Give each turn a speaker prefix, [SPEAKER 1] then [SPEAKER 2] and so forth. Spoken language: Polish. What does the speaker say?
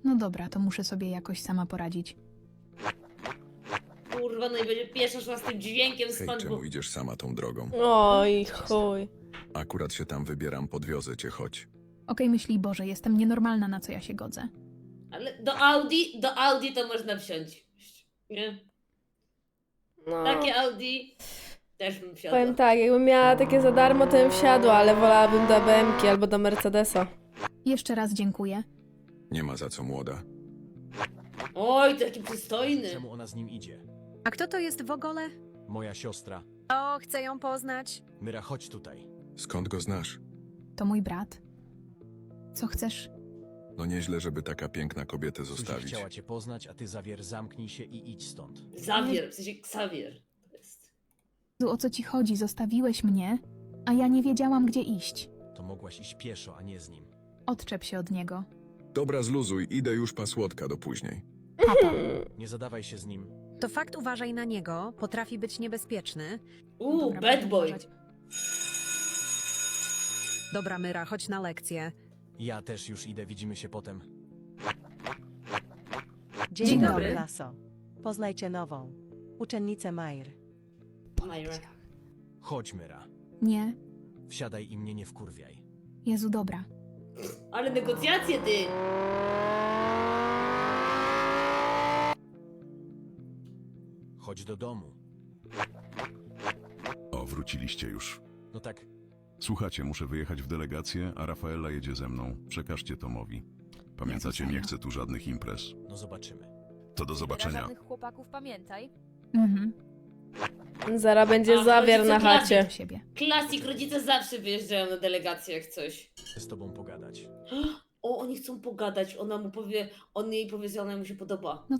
[SPEAKER 1] No dobra, to muszę sobie jakoś sama poradzić.
[SPEAKER 2] Kurwa, no i będzie pieszo szła z tym dźwiękiem
[SPEAKER 3] Hej,
[SPEAKER 2] stąd,
[SPEAKER 3] czemu
[SPEAKER 2] bo...
[SPEAKER 3] idziesz sama tą drogą?
[SPEAKER 4] Oj, chuj.
[SPEAKER 3] Akurat się tam wybieram, podwiozę cię, chodź.
[SPEAKER 1] Okej, myśli Boże, jestem nienormalna, na co ja się godzę.
[SPEAKER 2] Ale do Audi to można wsiąść. Nie?
[SPEAKER 4] No.
[SPEAKER 2] Takie Audi też bym wsiadła.
[SPEAKER 4] Powiem tak, jakbym miała takie za darmo, to bym wsiadła, ale wolałabym do BM-ki albo do Mercedesa.
[SPEAKER 1] Jeszcze raz dziękuję.
[SPEAKER 3] Nie ma za co, młoda.
[SPEAKER 2] Oj, taki przystojny.
[SPEAKER 5] Czemu ona z nim idzie?
[SPEAKER 6] A kto to jest w ogóle?
[SPEAKER 5] Moja siostra.
[SPEAKER 6] O, chcę ją poznać.
[SPEAKER 5] Myra, chodź tutaj.
[SPEAKER 3] Skąd go znasz?
[SPEAKER 1] To mój brat. Co chcesz?
[SPEAKER 3] No nieźle, żeby taka piękna kobietę
[SPEAKER 5] Suzy
[SPEAKER 3] zostawić.
[SPEAKER 5] chciała cię poznać, a ty, Zawier, zamknij się i idź stąd.
[SPEAKER 2] Xavier, w sensie Xavier. To jest.
[SPEAKER 1] Jezu, o co ci chodzi? Zostawiłeś mnie, a ja nie wiedziałam, gdzie iść.
[SPEAKER 5] To mogłaś iść pieszo, a nie z nim.
[SPEAKER 1] Odczep się od niego.
[SPEAKER 3] Dobra, zluzuj, idę już pa słodka do później.
[SPEAKER 1] Papa.
[SPEAKER 5] Nie zadawaj się z nim.
[SPEAKER 6] To fakt, uważaj na niego, potrafi być niebezpieczny.
[SPEAKER 1] Dobra,
[SPEAKER 2] Bad
[SPEAKER 1] będę
[SPEAKER 2] boy.
[SPEAKER 1] uważać.
[SPEAKER 6] Dobra, Myra, chodź na lekcję.
[SPEAKER 5] Ja też już idę, widzimy się potem.
[SPEAKER 1] Dzień
[SPEAKER 7] Dzień
[SPEAKER 1] dobry.
[SPEAKER 7] dobry, klaso. Poznajcie nową uczennicę Majr.
[SPEAKER 2] Myra.
[SPEAKER 5] Chodź, Myra.
[SPEAKER 1] Nie.
[SPEAKER 5] Wsiadaj i mnie nie wkurwiaj.
[SPEAKER 1] Jezu, dobra.
[SPEAKER 2] Ale negocjacje, ty!
[SPEAKER 5] Chodź do domu.
[SPEAKER 8] O, wróciliście już.
[SPEAKER 5] No tak,
[SPEAKER 8] Słuchajcie, muszę wyjechać w delegację, a Rafaela jedzie ze mną. Przekażcie Tomowi. Pamiętacie, nie chcę tu żadnych imprez.
[SPEAKER 5] no zobaczymy.
[SPEAKER 8] To do zobaczenia.
[SPEAKER 9] Żadnych chłopaków, pamiętaj.
[SPEAKER 1] Mhm.
[SPEAKER 4] Zara będzie
[SPEAKER 2] A,
[SPEAKER 4] Zawier
[SPEAKER 2] rodzice
[SPEAKER 4] na
[SPEAKER 2] klasie.
[SPEAKER 4] chacie.
[SPEAKER 1] Do siebie.
[SPEAKER 2] Klasik, rodzice zawsze wyjeżdżają na delegację jak coś.
[SPEAKER 5] Chcę z tobą pogadać.
[SPEAKER 2] O, oni chcą pogadać, ona mu powie, on jej powie, że ona mu się podoba.
[SPEAKER 1] No